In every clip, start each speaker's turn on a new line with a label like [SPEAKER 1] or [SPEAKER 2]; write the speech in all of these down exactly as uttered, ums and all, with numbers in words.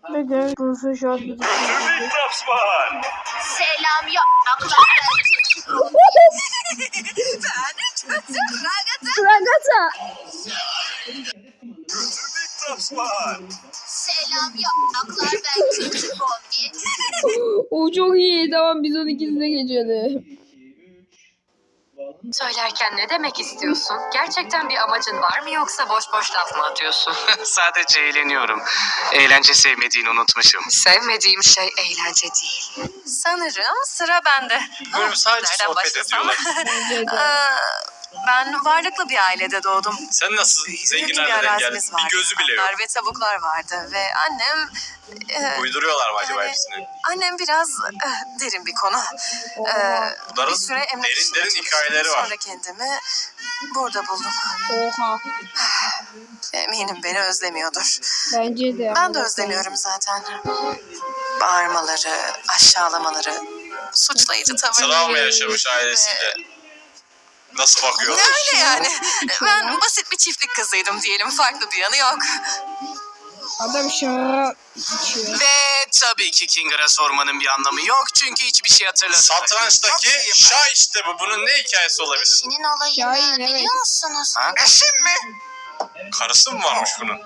[SPEAKER 1] Neden? Bunu şu an bir
[SPEAKER 2] Selam ya.
[SPEAKER 1] Ragata.
[SPEAKER 2] Selam yapraklar, ben küçük Omni.
[SPEAKER 1] O çok iyi. Tamam biz onun ikisine geçelim.
[SPEAKER 3] Söylerken ne demek istiyorsun? Gerçekten bir amacın var mı yoksa boş boş laf mı atıyorsun?
[SPEAKER 4] Sadece eğleniyorum. Eğlence sevmediğini unutmuşum.
[SPEAKER 3] Sevmediğim şey eğlence değil. Sanırım sıra bende.
[SPEAKER 4] Bölüm sadece
[SPEAKER 3] Nereden
[SPEAKER 4] sohbet
[SPEAKER 3] başlasam?
[SPEAKER 4] ediyorlar.
[SPEAKER 1] Bence de.
[SPEAKER 3] Ee, ben varlıklı bir ailede doğdum.
[SPEAKER 4] Sen nasıl
[SPEAKER 3] Büyük
[SPEAKER 4] zengin
[SPEAKER 3] bir
[SPEAKER 4] aileden geldin?
[SPEAKER 3] arazimiz
[SPEAKER 4] Bir
[SPEAKER 3] vardı.
[SPEAKER 4] gözü bile yok.
[SPEAKER 3] Atlar ve tavuklar vardı ve annem... e,
[SPEAKER 4] Uyduruyorlar mı acaba
[SPEAKER 3] yani
[SPEAKER 4] hepsini?
[SPEAKER 3] Annem biraz e, derin bir konu. Ee,
[SPEAKER 4] Bunların
[SPEAKER 3] bir süre emlak
[SPEAKER 4] derin
[SPEAKER 3] işinde
[SPEAKER 4] derin
[SPEAKER 3] çalıştım.
[SPEAKER 4] hikayeleri var.
[SPEAKER 3] Sonra kendimi burada buldum.
[SPEAKER 1] Oha.
[SPEAKER 3] Eminim beni özlemiyordur.
[SPEAKER 1] Bence de.
[SPEAKER 3] Ben de özlemiyorum zaten. Bağırmaları, aşağılamaları, suçlayıcı tavırları.
[SPEAKER 4] Travma yaşamış ailesiyle. Nasıl bakıyor?
[SPEAKER 3] Öyle yani. Ben basit bir çiftlik kızıydım diyelim. Farklı bir yanı yok.
[SPEAKER 1] Adam şarap içiyor.
[SPEAKER 4] Ve tabii ki Kinger'a sormanın bir anlamı yok çünkü hiçbir şey hatırlamıyor. Satrançtaki şah işte bu. Bunun ne hikayesi olabilir?
[SPEAKER 2] Eşinin olayını
[SPEAKER 1] Şahin, evet.
[SPEAKER 2] biliyor musunuz?
[SPEAKER 4] Ha? Eşim mi? Karısı mı varmış bunun?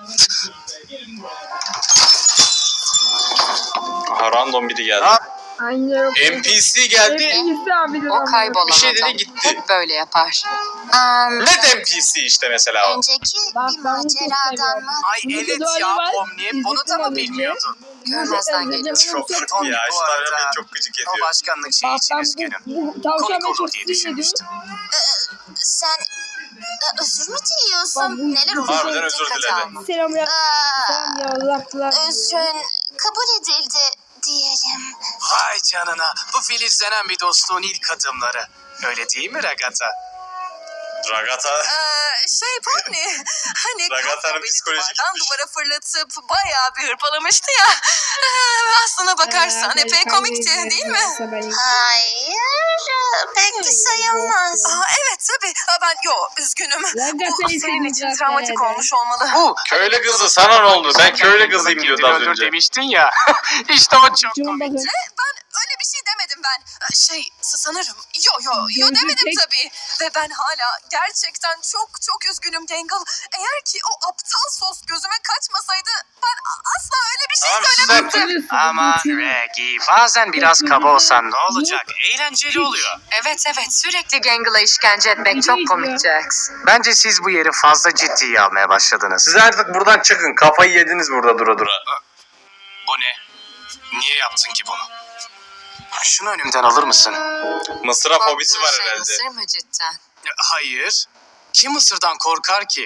[SPEAKER 4] Aha random biri geldi.
[SPEAKER 1] Aynen.
[SPEAKER 4] N P C geldi.
[SPEAKER 1] Hepsi abi de.
[SPEAKER 3] O kaybolan
[SPEAKER 4] Bir şey dedi
[SPEAKER 3] adam
[SPEAKER 4] gitti.
[SPEAKER 3] hep böyle yapar.
[SPEAKER 2] Um,
[SPEAKER 4] Net N P C işte mesela o.
[SPEAKER 2] önceki
[SPEAKER 1] Bak,
[SPEAKER 2] bir
[SPEAKER 1] ben bunu çok
[SPEAKER 2] maceradan
[SPEAKER 1] seviyorum.
[SPEAKER 2] mı?
[SPEAKER 4] Ay
[SPEAKER 1] Bunu
[SPEAKER 4] evet
[SPEAKER 1] da
[SPEAKER 4] ya
[SPEAKER 1] var.
[SPEAKER 4] Pomni bunu da mı bilmiyordun?
[SPEAKER 3] Görmezden geliyorsun.
[SPEAKER 4] Çok kötü ya.
[SPEAKER 5] Bu
[SPEAKER 4] Şu
[SPEAKER 5] arada
[SPEAKER 4] beni çok gıcık ediyor.
[SPEAKER 5] O başkanlık şeyi
[SPEAKER 1] Bak
[SPEAKER 5] için
[SPEAKER 1] ben
[SPEAKER 5] üzgünüm.
[SPEAKER 1] bu, bu tavşan
[SPEAKER 5] Komik
[SPEAKER 1] ben çok
[SPEAKER 5] olur diye
[SPEAKER 1] sinir
[SPEAKER 5] düşünmüştüm.
[SPEAKER 2] Sen e, özür mü
[SPEAKER 1] Bak,
[SPEAKER 2] diliyorsun?
[SPEAKER 1] bu-
[SPEAKER 2] Neler
[SPEAKER 1] bu-
[SPEAKER 2] oldu?
[SPEAKER 4] Harbiden özür
[SPEAKER 3] Dikkate
[SPEAKER 4] diledi.
[SPEAKER 3] alma.
[SPEAKER 1] Selam ya.
[SPEAKER 2] Aa,
[SPEAKER 1] Selam ya. Allah'lar.
[SPEAKER 2] özrün kabul edildi diyelim.
[SPEAKER 4] Vay canına. Bu filizlenen bir dostluğun ilk adımları. Öyle değil mi Ragata? Ragata.
[SPEAKER 3] Ee, şey Pomni, hani
[SPEAKER 4] Ragata'nın
[SPEAKER 3] Kafka beni
[SPEAKER 4] psikolojik
[SPEAKER 3] duvardan
[SPEAKER 4] gitmiş.
[SPEAKER 3] duvara fırlatıp bayağı bir hırpalamıştı ya. Ee, aslına bakarsan
[SPEAKER 1] Ee,
[SPEAKER 3] epey
[SPEAKER 1] ben
[SPEAKER 3] komikti
[SPEAKER 1] kaybedeceğim
[SPEAKER 3] değil mi?
[SPEAKER 1] yoksa ben-
[SPEAKER 2] Hayır, pek de sayılmaz.
[SPEAKER 3] Aa, evet tabii. Aa, ben yo üzgünüm.
[SPEAKER 1] Ragata'yı
[SPEAKER 3] Bu senin
[SPEAKER 1] sevdim
[SPEAKER 3] için
[SPEAKER 1] zaten
[SPEAKER 3] travmatik
[SPEAKER 1] herhalde.
[SPEAKER 3] olmuş olmalı.
[SPEAKER 4] Bu köylü kızı sana ne oldu? Ben köylü kızıyım diyordu az önce. Demiştin ya. İşte o çok
[SPEAKER 1] Şuna bakın.
[SPEAKER 3] Ben öyle bir şey demedim ben. Ee, Şey sanırım. Yo yo yo
[SPEAKER 1] Gözü
[SPEAKER 3] demedim
[SPEAKER 1] tek-
[SPEAKER 3] tabii. Ve ben hala gerçekten çok çok üzgünüm Gangle. Eğer ki o aptal sos gözüme kaçmasaydı ben a- asla öyle bir şey
[SPEAKER 4] Tamam,
[SPEAKER 3] söylemezdim.
[SPEAKER 1] Hatırlıyorsun,
[SPEAKER 4] Ama
[SPEAKER 1] hatırlıyorsun.
[SPEAKER 4] Reggie bazen biraz kaba olsan ne olacak? Eğlenceli oluyor.
[SPEAKER 3] Evet evet sürekli Gangle'a işkence etmek çok komik Jax.
[SPEAKER 4] Bence siz bu yeri fazla ciddiye almaya başladınız. Siz artık buradan çıkın. Kafayı yediniz burada dura dura. Bu ne? Niye yaptın ki bunu? Şunu önümden alır mısın? Mısıra fobisi var
[SPEAKER 3] Korktuğun şey
[SPEAKER 4] herhalde.
[SPEAKER 3] Mısır mı cidden?
[SPEAKER 4] Hayır. Kim Mısır'dan korkar ki?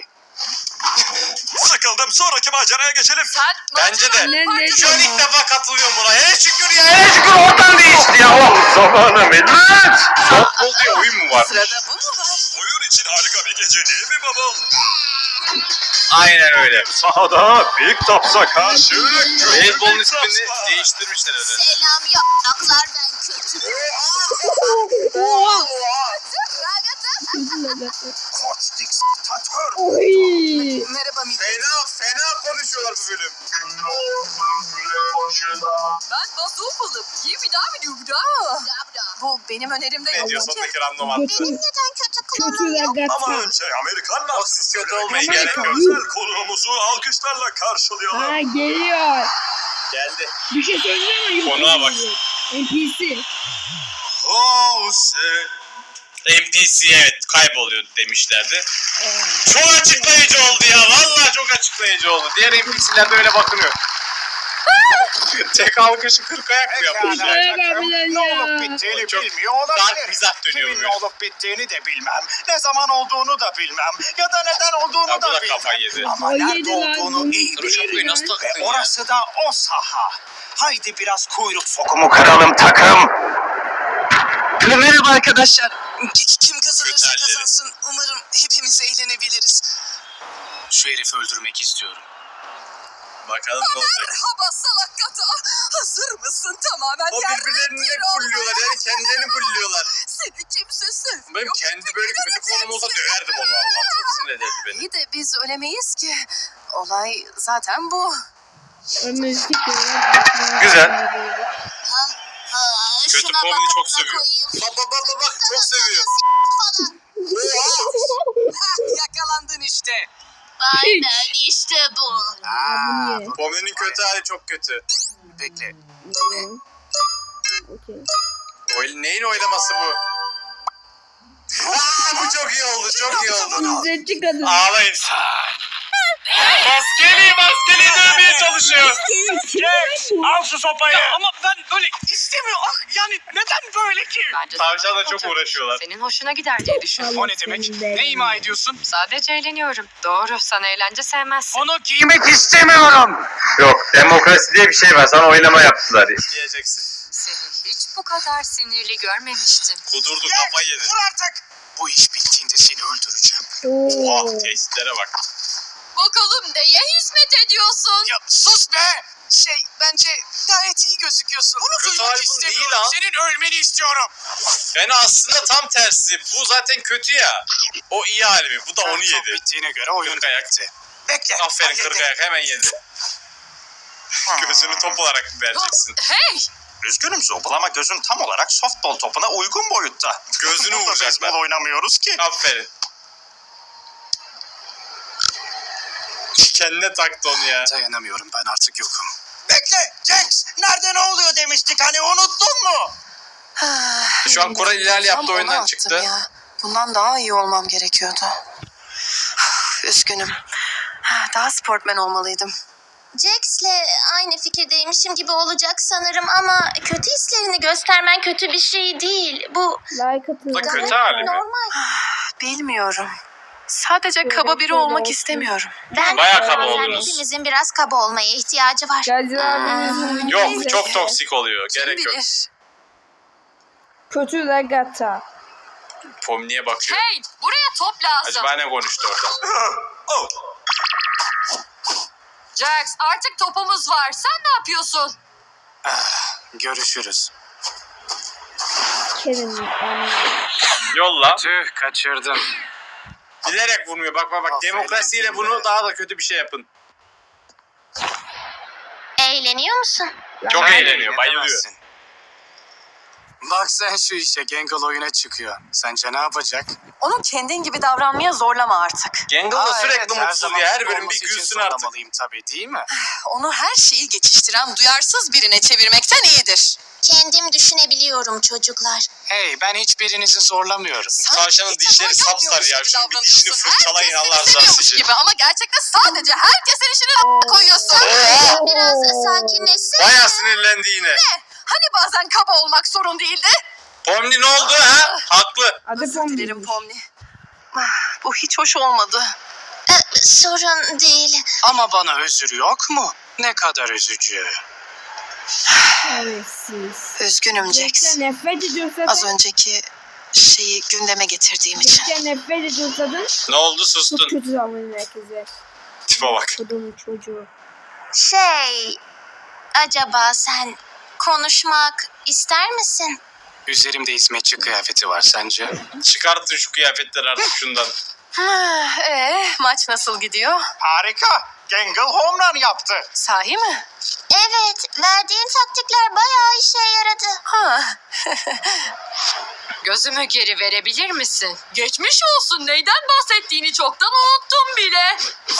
[SPEAKER 4] Sıkıldım. Sonraki maceraya geçelim.
[SPEAKER 3] Sen
[SPEAKER 4] Bence de.
[SPEAKER 1] Ne ne
[SPEAKER 4] Şu an ilk
[SPEAKER 1] diyor?
[SPEAKER 4] defa katılıyorum buna. Hele şükür ya. Hele şükür ortam değişti ya. Oh zamanı millet. Softball diye oyun mu var?
[SPEAKER 3] Sırada bu mu var?
[SPEAKER 4] Oyun için harika bir gece değil mi babam? Aynen öyle. Sahada Big Tops'a karşı Beyzbolun ismini değiştirmişler öyle.
[SPEAKER 2] Selam yapraklar, ben kötü.
[SPEAKER 1] Oha.
[SPEAKER 5] Koç diktatör.
[SPEAKER 1] Oy.
[SPEAKER 3] Merhaba millet.
[SPEAKER 4] Fena fena konuşuyorlar bu bölüm.
[SPEAKER 3] Ben Bazoopalı. Gibi daha bir daha. Bu benim önerimde
[SPEAKER 4] Ne
[SPEAKER 3] yok
[SPEAKER 4] diyor
[SPEAKER 3] ki.
[SPEAKER 4] sondaki random attı.
[SPEAKER 1] Kötü.
[SPEAKER 2] Neden kötü
[SPEAKER 1] Kötü
[SPEAKER 2] kılığım yok?
[SPEAKER 1] Ragata.
[SPEAKER 5] önce Amerikan
[SPEAKER 4] O siz kötü olmayın
[SPEAKER 1] Amerika.
[SPEAKER 4] gerek yok.
[SPEAKER 1] Özel
[SPEAKER 5] konuğumuzu alkışlarla karşılayalım.
[SPEAKER 1] Ha geliyor.
[SPEAKER 4] Geldi.
[SPEAKER 1] Bir şey söyleyeyim mi?
[SPEAKER 4] Konuğa bak.
[SPEAKER 1] N P C.
[SPEAKER 4] Oh N P C evet kayboluyor demişlerdi. Çok açıklayıcı oldu ya. Vallahi çok açıklayıcı oldu. Diğer N P C'ler de öyle bakınıyor. Tek alkışı kırk ayak mı yapmış?
[SPEAKER 1] Pekala. abiler
[SPEAKER 5] Ne
[SPEAKER 1] ya.
[SPEAKER 5] olup bittiğini
[SPEAKER 4] Çok
[SPEAKER 5] bilmiyor
[SPEAKER 4] Dark
[SPEAKER 5] olabilir.
[SPEAKER 4] mizah dönüyor
[SPEAKER 5] Kimin
[SPEAKER 4] böyle.
[SPEAKER 5] ne olup bittiğini de bilmem. Ne zaman olduğunu da bilmem. Ya da neden olduğunu
[SPEAKER 4] Ya bu
[SPEAKER 5] da
[SPEAKER 4] da
[SPEAKER 5] bilmem.
[SPEAKER 4] kafayı yedi.
[SPEAKER 5] Ama
[SPEAKER 1] O
[SPEAKER 5] nerede
[SPEAKER 1] yedi lan,
[SPEAKER 5] olduğunu
[SPEAKER 1] bunu
[SPEAKER 5] iyi
[SPEAKER 1] bilir
[SPEAKER 5] bilirim.
[SPEAKER 1] lan.
[SPEAKER 4] Nasıl taktın
[SPEAKER 5] Ve
[SPEAKER 4] ya?
[SPEAKER 5] orası da o saha. Haydi biraz kuyruk sokumu kıralım takım.
[SPEAKER 6] Merhaba arkadaşlar. Ki- Kim kazanırsa
[SPEAKER 4] Kötü halleri.
[SPEAKER 6] kazansın. Umarım hepimiz eğlenebiliriz.
[SPEAKER 4] Şu herifi öldürmek istiyorum. Bakalım ne olacak.
[SPEAKER 3] Merhaba salak kata. Hazır mısın tamamen?
[SPEAKER 4] O
[SPEAKER 3] yerle
[SPEAKER 4] birbirlerini
[SPEAKER 3] bir
[SPEAKER 4] bulluyorlar yani kendilerini bulluyorlar.
[SPEAKER 3] Seni kimse sevmiyor.
[SPEAKER 4] Benim kendi böyle kötü konum olsa döverdim onu Allah. Çok sinir ederdi beni.
[SPEAKER 3] İyi de biz ölemeyiz ki. Olay zaten bu.
[SPEAKER 1] Müzik
[SPEAKER 4] Güzel.
[SPEAKER 2] Ha,
[SPEAKER 4] Kötü
[SPEAKER 2] şuna
[SPEAKER 4] Pomni
[SPEAKER 2] bak,
[SPEAKER 4] çok
[SPEAKER 2] bak,
[SPEAKER 4] seviyor.
[SPEAKER 2] koyayım.
[SPEAKER 4] Bak bak bak bak çok seviyor.
[SPEAKER 6] Yakalandın işte.
[SPEAKER 2] Aynen işte bu.
[SPEAKER 4] Pomni'nin kötü hali çok kötü.
[SPEAKER 5] Bekle.
[SPEAKER 1] Okey.
[SPEAKER 4] Oy, neyin oylaması bu? Aa, bu çok iyi oldu, çok iyi oldu.
[SPEAKER 1] İzzetçi kadın.
[SPEAKER 4] Ağlayın. Maskeli, maskeli dövmeye çalışıyor.
[SPEAKER 5] Al şu sopayı.
[SPEAKER 6] Ama ben böyle istemiyorum. Ah, yani neden böyle ki?
[SPEAKER 7] Bence
[SPEAKER 4] Tavşanla
[SPEAKER 7] sana
[SPEAKER 4] çok
[SPEAKER 7] olacak.
[SPEAKER 4] uğraşıyorlar.
[SPEAKER 7] Senin hoşuna gider diye düşündüm.
[SPEAKER 5] O ne demek? Ne ima ediyorsun?
[SPEAKER 7] Sadece eğleniyorum. Doğru, sana eğlence sevmezsin.
[SPEAKER 5] Onu giymek
[SPEAKER 4] Yemek istemiyorum. Yok, demokrasi diye bir şey var. Sana oylama yaptılar. Diyeceksin.
[SPEAKER 7] Seni hiç bu kadar sinirli görmemiştim.
[SPEAKER 4] Kudurdu, kafayı yedi.
[SPEAKER 5] Dur artık. Bu iş bittiğinde seni öldüreceğim.
[SPEAKER 1] Oo.
[SPEAKER 4] Oha, testlere bak.
[SPEAKER 3] Bakalım neye hizmet ediyorsun?
[SPEAKER 6] Ya sus be. Şey bence gayet iyi gözüküyorsun. Bunu
[SPEAKER 4] Kötü
[SPEAKER 6] duymak
[SPEAKER 4] hali bu değil
[SPEAKER 6] istemiyorum.
[SPEAKER 4] lan.
[SPEAKER 6] Senin ölmeni istiyorum.
[SPEAKER 4] Yani aslında tam tersi. Bu zaten kötü ya. O iyi hali mi? Bu da onu
[SPEAKER 5] Çok
[SPEAKER 4] yedi.
[SPEAKER 5] bittiğine göre oyun
[SPEAKER 4] Kırk ayak.
[SPEAKER 5] bitti. Bekle.
[SPEAKER 4] Aferin
[SPEAKER 5] hallettim.
[SPEAKER 4] kırk ayak hemen yedi. Gözünü top olarak vereceksin.
[SPEAKER 3] Hey!
[SPEAKER 5] Üzgünüm Zobul ama gözün tam olarak softball topuna uygun boyutta.
[SPEAKER 4] Gözünü
[SPEAKER 5] Burada
[SPEAKER 4] vuracaklar.
[SPEAKER 5] beyzbol oynamıyoruz ki.
[SPEAKER 4] Aferin. Kendine taktı onu ya.
[SPEAKER 5] Dayanamıyorum, ben artık yokum. Bekle Jax, nerede ne oluyor demiştik, hani unuttun mu?
[SPEAKER 4] Şu an Koray ilerle yaptı,
[SPEAKER 8] Tam
[SPEAKER 4] oyundan
[SPEAKER 8] onu
[SPEAKER 4] çıktı.
[SPEAKER 8] attım ya. Bundan daha iyi olmam gerekiyordu. Üzgünüm. Daha sportmen olmalıydım.
[SPEAKER 2] Jax'le aynı fikirdeymişim gibi olacak sanırım ama kötü hislerini göstermen kötü bir şey değil. Bu
[SPEAKER 1] Like atın.
[SPEAKER 4] Da
[SPEAKER 2] gayet
[SPEAKER 4] kötü hali mi?
[SPEAKER 2] normal.
[SPEAKER 8] Bilmiyorum. Sadece kaba biri olmak istemiyorum.
[SPEAKER 2] Ben
[SPEAKER 4] Bayağı kaba
[SPEAKER 2] bazen
[SPEAKER 4] oldunuz.
[SPEAKER 2] hepimizin biraz kaba olmaya ihtiyacı var.
[SPEAKER 1] Geldi abimizin
[SPEAKER 4] Yok,
[SPEAKER 1] videosu.
[SPEAKER 4] çok toksik oluyor.
[SPEAKER 8] Kim
[SPEAKER 4] Gerek yok.
[SPEAKER 8] bilir?
[SPEAKER 1] Kötü Ragata.
[SPEAKER 4] Pomni'ye bakıyor.
[SPEAKER 3] Hey! Buraya top lazım.
[SPEAKER 4] Acaba ne konuştu orada?
[SPEAKER 5] Oh,
[SPEAKER 3] Jax artık topumuz var. Sen ne yapıyorsun?
[SPEAKER 5] görüşürüz.
[SPEAKER 1] Kerim. Yani.
[SPEAKER 4] Yolla.
[SPEAKER 5] Tüh, kaçırdım.
[SPEAKER 4] Bilerek vurmuyor. Bak bak bak.
[SPEAKER 5] Aferin
[SPEAKER 4] Demokrasiyle
[SPEAKER 5] size.
[SPEAKER 4] bunu daha da kötü bir şey yapın.
[SPEAKER 2] Eğleniyor musun?
[SPEAKER 4] Çok
[SPEAKER 5] Sen
[SPEAKER 4] eğleniyor. Bayılıyor.
[SPEAKER 5] eğlenemezsin. Bak sen şu işe, Gangle oyuna çıkıyor. Sence ne yapacak?
[SPEAKER 8] Onu kendin gibi davranmaya zorlama artık.
[SPEAKER 4] Gangle da
[SPEAKER 5] Aa,
[SPEAKER 4] sürekli
[SPEAKER 5] evet, her
[SPEAKER 4] mutsuz
[SPEAKER 5] zaman
[SPEAKER 4] ya. Her
[SPEAKER 5] mutlu
[SPEAKER 4] bölüm bir
[SPEAKER 5] olması için
[SPEAKER 4] gülsün artık.
[SPEAKER 5] zorlamalıyım tabii, değil mi?
[SPEAKER 8] Onu her şeyi geçiştiren duyarsız birine çevirmekten iyidir.
[SPEAKER 2] Kendim düşünebiliyorum çocuklar.
[SPEAKER 5] Hey, ben hiçbirinizi zorlamıyorum.
[SPEAKER 8] Sen
[SPEAKER 4] Tavşanın
[SPEAKER 8] hiç
[SPEAKER 4] dişleri
[SPEAKER 8] defa
[SPEAKER 4] sapsarı ya.
[SPEAKER 8] yapmıyormuş
[SPEAKER 4] Şunun
[SPEAKER 8] gibi
[SPEAKER 4] bir dişini
[SPEAKER 8] davranıyorsun.
[SPEAKER 4] fırçalayın
[SPEAKER 8] Herkes
[SPEAKER 4] Allah
[SPEAKER 8] seni
[SPEAKER 4] rızası
[SPEAKER 8] seviyormuş
[SPEAKER 4] için.
[SPEAKER 8] gibi ama gerçekten sadece herkesin işini koyuyorsun.
[SPEAKER 2] Biraz sakinleşsene.
[SPEAKER 4] Bayağı sinirlendi yine.
[SPEAKER 8] Hani bazen kaba olmak sorun değildi?
[SPEAKER 4] Pomni ne oldu ha? Haklı.
[SPEAKER 1] Adı
[SPEAKER 8] Özür
[SPEAKER 1] Pomni.
[SPEAKER 8] dilerim Pomni. Ah, Bu hiç hoş olmadı.
[SPEAKER 2] Ee, sorun değil.
[SPEAKER 5] Ama bana özür yok mu? Ne kadar üzücü.
[SPEAKER 1] Şerefsiz.
[SPEAKER 8] Üzgünüm Jax.
[SPEAKER 1] Jax'e nefret ediyorsa
[SPEAKER 8] Az
[SPEAKER 1] da.
[SPEAKER 8] önceki şeyi gündeme getirdiğim için.
[SPEAKER 1] Jax'e nefret ediyorsa da.
[SPEAKER 4] Ne oldu,
[SPEAKER 1] Çok
[SPEAKER 4] sustun.
[SPEAKER 1] kötü davranıyor herkese.
[SPEAKER 4] Tipe bak.
[SPEAKER 1] Kadının çocuğu.
[SPEAKER 2] Şey, acaba sen konuşmak ister misin?
[SPEAKER 5] Üzerimde hizmetçi kıyafeti var sence?
[SPEAKER 4] Çıkartın şu kıyafetleri artık şundan.
[SPEAKER 8] Ah, Ee, maç nasıl gidiyor?
[SPEAKER 5] Harika. Gangle home run yaptı.
[SPEAKER 8] Sahi mi?
[SPEAKER 2] Evet, verdiğin taktikler bayağı işe yaradı.
[SPEAKER 8] Ha.
[SPEAKER 7] Gözümü geri verebilir misin?
[SPEAKER 3] Geçmiş olsun. Neyden bahsettiğini çoktan unuttum bile.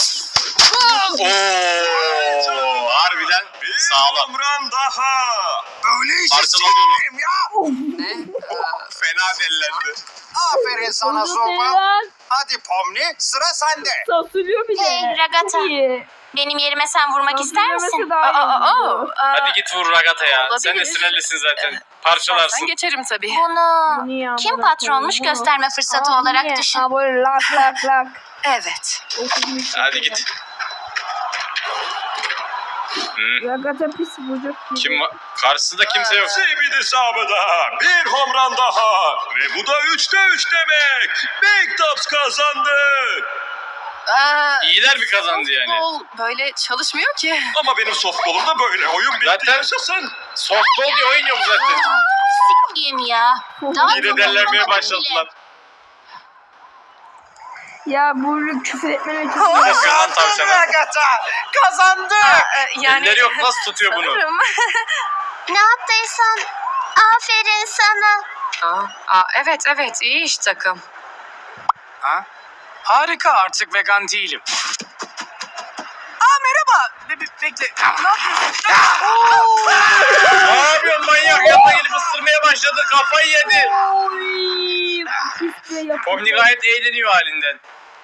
[SPEAKER 4] Oo, harbiden sağlam.
[SPEAKER 5] run daha. Böyle işi
[SPEAKER 4] Parçaladı onu.
[SPEAKER 5] sevmiyorum ya.
[SPEAKER 7] Ne?
[SPEAKER 4] Fena delilendi.
[SPEAKER 5] Aferin sana
[SPEAKER 1] Onu
[SPEAKER 5] Zobul.
[SPEAKER 1] seven
[SPEAKER 5] Hadi Pomni, sıra sende.
[SPEAKER 1] sansürlüyor bir de.
[SPEAKER 2] Hey, Ragata.
[SPEAKER 1] Çok iyi.
[SPEAKER 2] Benim yerime sen vurmak ister misin?
[SPEAKER 1] Sansürlemesi daha iyi
[SPEAKER 8] Aa,
[SPEAKER 1] oldu.
[SPEAKER 8] aa, aa.
[SPEAKER 4] Hadi git vur Ragata ya.
[SPEAKER 8] Olabilir.
[SPEAKER 4] Sen de sinirlisin zaten.
[SPEAKER 8] Ben
[SPEAKER 4] Parçalarsın.
[SPEAKER 8] geçerim tabii.
[SPEAKER 2] Bunu
[SPEAKER 1] Bunu ya,
[SPEAKER 2] kim
[SPEAKER 1] bırak
[SPEAKER 2] patronmuş
[SPEAKER 1] onu.
[SPEAKER 2] gösterme fırsatı
[SPEAKER 1] Aa,
[SPEAKER 2] olarak
[SPEAKER 1] niye?
[SPEAKER 2] düşün.
[SPEAKER 1] Ha böyle lak lak lak.
[SPEAKER 8] Evet.
[SPEAKER 1] Okumuş
[SPEAKER 4] Hadi
[SPEAKER 1] şekilde.
[SPEAKER 4] git. Hmm.
[SPEAKER 1] Ragata pis bucuk gibi.
[SPEAKER 4] Kim var? Karşısında kimse yok.
[SPEAKER 9] Bir isabı daha, bir home run daha ve bu da üçte üç demek. Big Tops kazandı.
[SPEAKER 8] Aa,
[SPEAKER 4] İyiler bir kazandı yani.
[SPEAKER 8] Softball böyle çalışmıyor ki.
[SPEAKER 9] Ama benim softball'umda böyle oyun bitti,
[SPEAKER 4] Zaten-
[SPEAKER 9] yaşasın.
[SPEAKER 4] Softball diye oyun yok zaten.
[SPEAKER 2] Sikiyim ya. Daha
[SPEAKER 4] Yine
[SPEAKER 2] çok
[SPEAKER 4] dellenmeye
[SPEAKER 2] anlamadım
[SPEAKER 4] başladılar.
[SPEAKER 2] bile.
[SPEAKER 1] Ya bu küfür etmene çok
[SPEAKER 4] Ne yapıyorsun lan
[SPEAKER 6] Kazandı
[SPEAKER 4] tavşana?
[SPEAKER 6] Agatha. Kazandı.
[SPEAKER 8] Ee, yani
[SPEAKER 4] Elleri yok, nasıl tutuyor bunu?
[SPEAKER 8] sanırım.
[SPEAKER 2] Ne yaptıysan aferin sana.
[SPEAKER 7] Aa, aa, evet evet iyi iş takım.
[SPEAKER 5] Ha? Harika, artık vegan değilim.
[SPEAKER 6] Aa merhaba. Be- be- bekle. Ne yapıyorsun?
[SPEAKER 4] Ne yapıyorsun manyak? Yanına gelip ısırmaya başladı. Kafayı yedi.
[SPEAKER 1] Oy. Pis de yapıyor.
[SPEAKER 4] Pomni gayet eğleniyor halinden.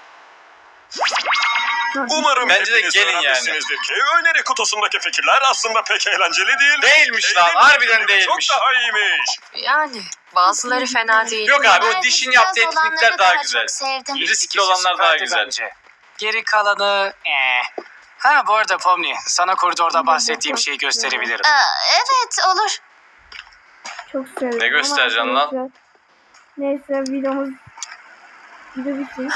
[SPEAKER 9] Umarım
[SPEAKER 4] Bence de
[SPEAKER 9] hepiniz
[SPEAKER 4] gelin yani.
[SPEAKER 9] öğrenmişsinizdir ki öneri kutusundaki fikirler aslında pek eğlenceli değil.
[SPEAKER 4] Değilmiş lan,
[SPEAKER 9] Eğlenceli
[SPEAKER 4] harbiden
[SPEAKER 9] ve
[SPEAKER 4] değilmiş.
[SPEAKER 9] Çok daha iyiymiş.
[SPEAKER 7] Yani bazıları fena değil.
[SPEAKER 4] Yok abi, o
[SPEAKER 2] Ben
[SPEAKER 4] dişin
[SPEAKER 2] biraz
[SPEAKER 4] yaptığı
[SPEAKER 2] olanları
[SPEAKER 4] etkinlikler daha
[SPEAKER 2] daha
[SPEAKER 4] güzel.
[SPEAKER 2] çok sevdim.
[SPEAKER 4] Riskli olanlar daha
[SPEAKER 5] Süperdi
[SPEAKER 4] güzel.
[SPEAKER 5] bence. Geri kalanı... Eh. Ha bu arada Pomni, sana koridorda bahsettiğim şeyi gösterebilirim.
[SPEAKER 2] Aa, evet olur.
[SPEAKER 1] Çok seviyorum.
[SPEAKER 4] Ne göstereceksin
[SPEAKER 1] ama
[SPEAKER 4] lan?
[SPEAKER 1] arkadaşlar, neyse videomuz video bitsin.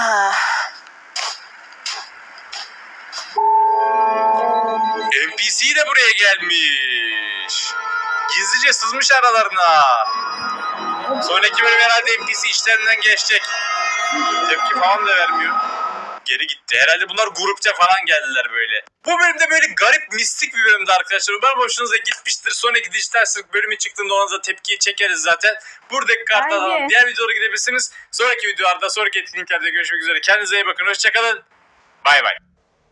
[SPEAKER 4] N P C de buraya gelmiş. Gizlice sızmış aralarına. Sonraki bölüm herhalde N P C işlerinden geçecek. Tepki falan da vermiyor. Geri gitti. Herhalde bunlar grupça falan geldiler böyle. Bu bölümde böyle garip, mistik bir bölümdü arkadaşlar. Umarım hoşunuza gitmiştir. Sonraki dijital sırk bölümü çıktığında ona da tepkiyi çekeriz zaten. Buradaki kartlardan
[SPEAKER 1] Bence.
[SPEAKER 4] diğer videolara gidebilirsiniz. Sonraki videolarda, sonraki etkinliklerde görüşmek üzere. Kendinize iyi bakın. Hoşçakalın. Bay bay.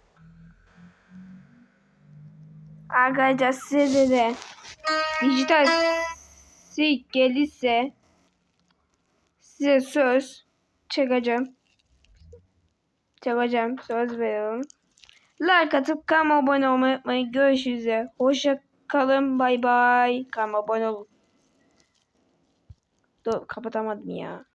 [SPEAKER 1] Arkadaşlar size de dijital sik gelirse size söz çekeceğim. Çekeceğim. Söz veriyorum. Like atıp kanalıma abone olmayı unutmayın. Görüşürüz. Hoşça kalın. Bay bay. Kanalıma abone olun. Dur kapatamadım ya.